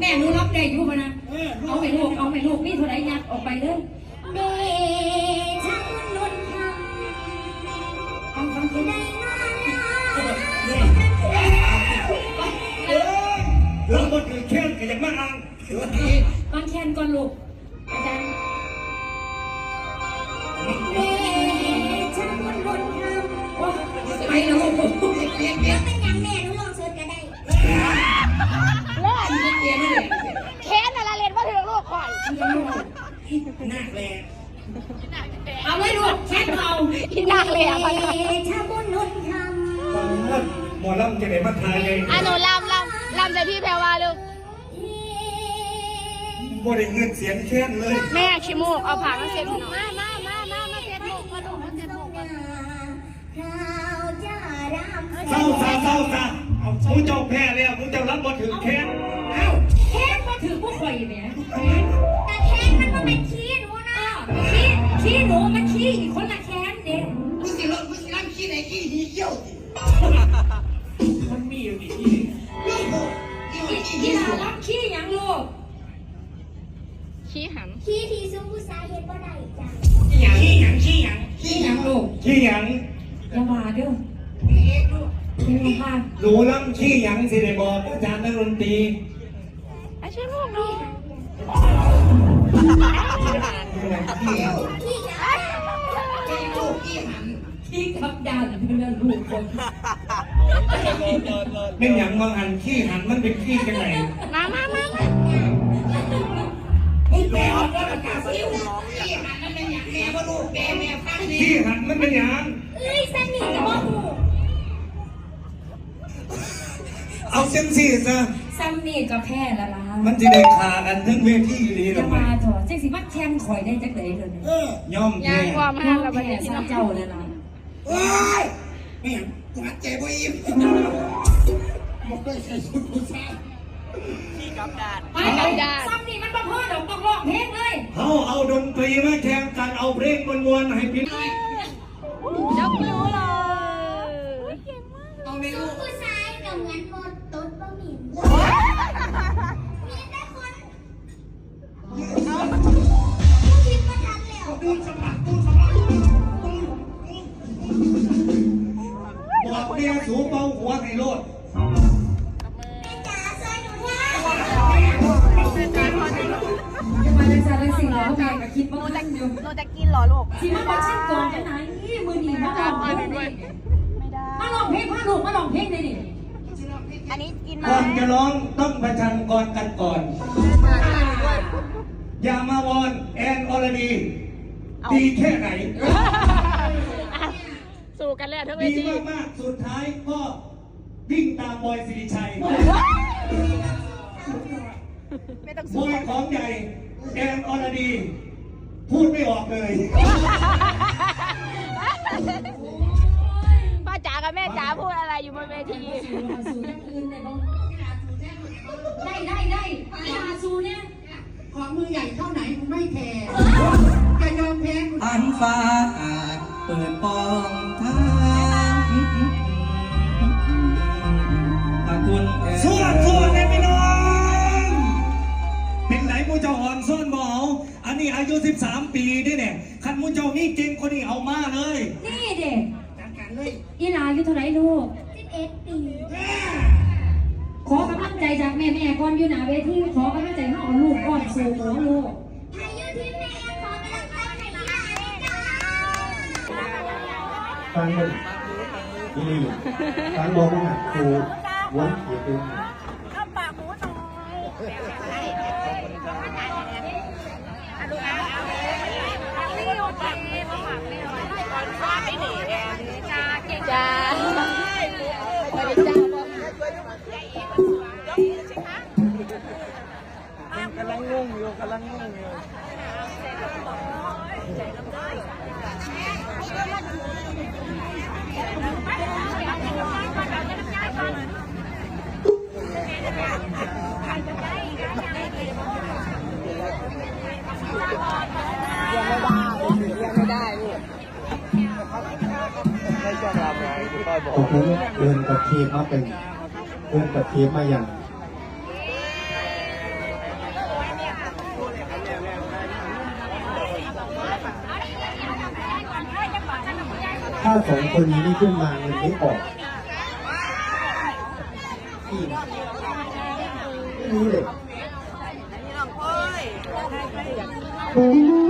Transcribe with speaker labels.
Speaker 1: ม่หนูรับได้อยู่ป่ะนะเอาไปลูกนี่เท่าไรยัดออกไปเลยเดชะนุนทำเอาฟังที่ได้
Speaker 2: เราก็คือแค่กันอย่างมาก
Speaker 1: ฟังแคนก่อนลูกอาจารย์เดชะนุนทำไปแล้วลูก
Speaker 3: แล้วเป็นยังแม่หนูลองเสิร์ชก็ได้
Speaker 4: แค้นอะไรเล่นว่าถึงลูกข่อย
Speaker 2: นักแรง
Speaker 1: เอาเลยลูกแคนเอา
Speaker 4: กินนักเลยอ่ะพ่อ
Speaker 3: ชาบุญนุนท
Speaker 2: หมอลำจะไหนมาทายไง
Speaker 4: หนูลำใจพี่แพรวาลูก
Speaker 2: บ่ได้เงินเสียงแค้นเลย
Speaker 4: แม่ชิมูกเอาผักมาเสียบหน่อยมาเสียบลูกมาดูมาเสียบลูกมา
Speaker 2: เศร้าเอาผู้เจ้าแพ้แล้วผู้เจ้ารับบ่ถึงแค้น
Speaker 1: เอ้าแคนมาถือพวกข่อยเนี่ย
Speaker 3: แต่แค้นมันก็เป็นขี้หนูนะ
Speaker 1: ขี้หนูมันขี้อีกคนละแคนเด็ก
Speaker 5: มึงสิรำขี้ไหนขี้หีเขี้ยว
Speaker 2: มันมีอยู่นี่
Speaker 1: ที่เรารับขี้ยังลูก
Speaker 4: ขี้หัน
Speaker 3: ขี้ที่ซุ้มผู้ชายเห็นบ่ได้จ้ะ
Speaker 2: ขี้หยัง
Speaker 1: ลูก
Speaker 2: ขี้หยัง
Speaker 1: อย่ามาเด้อ
Speaker 2: หนูลำขี้หยังสิได้บอกอาจารย์นักดนตรี
Speaker 4: ชิมูกดู
Speaker 1: ขี้กับดานเพื่อนลูกคน
Speaker 2: เป็นอย่างบางอันขี้หันมันเป็นขี้กันไหน
Speaker 4: มา
Speaker 5: แม่ก็ประกาศซิวขี้หันนั่นเป็นอย่างแม่ว่าลูกแม่ฟังดี
Speaker 2: ขี้หันมันเป็นอย่าง
Speaker 3: สนิทกับพ่อหู
Speaker 2: เอาเส้นซี่ซะ
Speaker 1: ซ้ำนี่ก็แพ้ละล่ะ
Speaker 2: มันจะได้ขากันทั้งเวทีเลยหรอ
Speaker 1: จะมาถอดเจ๊สิมัดแคนข่อยได้จักไหนเลย
Speaker 2: ย่อม
Speaker 4: ยางความห้ามเราไปเห็น
Speaker 1: ซ้ำเจ้าเลยล่ะ
Speaker 5: โอ้ยแม่หัดใจบ่อิ่มบอกได้ใส่ชุดผู้ชายขี้กับดาด
Speaker 1: ซ้ำนี่มันมาพ่อดอกต้องร้องเพลงเลย
Speaker 2: เอาดนตรีมาแข่งกันเอาเพลงมวนๆให้พี่
Speaker 4: ยกนิ้วเลย
Speaker 5: เอาในลูก
Speaker 3: ผู้ชายกับเหมือนหมดตุ๊ดบ่มีแต่คนคิดมาทันแล้ว
Speaker 2: ตูนสมัครบอกเมียสูเบาหัวให้โลด
Speaker 3: จ๋าซอยหนูว่า
Speaker 1: จะมาในสารสิ่งเหล่านี้กับคิดว่าตั้งอยู่
Speaker 4: เราจะกินหรอลูก
Speaker 1: สิมาบอกฉันก่อนจะไหนนี่มือหนีมาลองเพลงด้วยมาลองเพลงพ่อลูกมาลองเพลงเลยดิ
Speaker 4: อันนี้กิน
Speaker 2: ก่อนจะร้องต้องประชันก่อนกันก่อนอย่ามาวอนแอนอรดีดีแค่ไหน
Speaker 4: สู้กันแล้วทั้งเว
Speaker 2: ที
Speaker 4: ดี
Speaker 2: มากสุดท้ายก็วิ่งตามบอยสิริชัยบอยของใหญ่แอนอรดีพูดไม่ออกเลย
Speaker 4: ป้าจ๋ากับแม่จ๋าพูดอะไรอยู่บนเวที
Speaker 1: สูอย่างอื่นได้สูเนี่ย
Speaker 5: ของมือใหญ่เท่าไหนกูไม่แคร์จะยอมแพ้
Speaker 2: อันฟ้าอาจเปิดปองทางคุณสวดเลยพี่น้องเป็นไหนมูเจ้าอ่อนซ่อนบ่เอาอันนี้อายุ13 ปีด้วยเนี่ยคันมูเจ้ามีเก่งคนนี้เอามาเลย
Speaker 1: นี่เด็ก
Speaker 5: จัดการเลย
Speaker 1: อีหลาอยู่เท่าไหร่ลูก
Speaker 3: 11 ปี
Speaker 1: ขอกำลังใจจากแม่ก่อนอยู่หน้าเวทีขอกำลังใจให้เอาลูกก่อนสู่หัวลูก
Speaker 3: อายุที่แม่ขอกำลังใจให้หลานจ้า
Speaker 6: ฟังเลยนี่ฟังบอกว่าครูวันเขียนเป็น
Speaker 4: ข้าปากหมูหน่อยจ้า
Speaker 2: กำลังงงอยู่
Speaker 4: ยังไม่ได้ลูก
Speaker 6: ผมเดินกับทีมมาเป็นเดินกับทีมมาอย่างถ้าสองคนนี้ไม่ขึ้นมาเงินไม่ออกพี่ไม่รู้เลย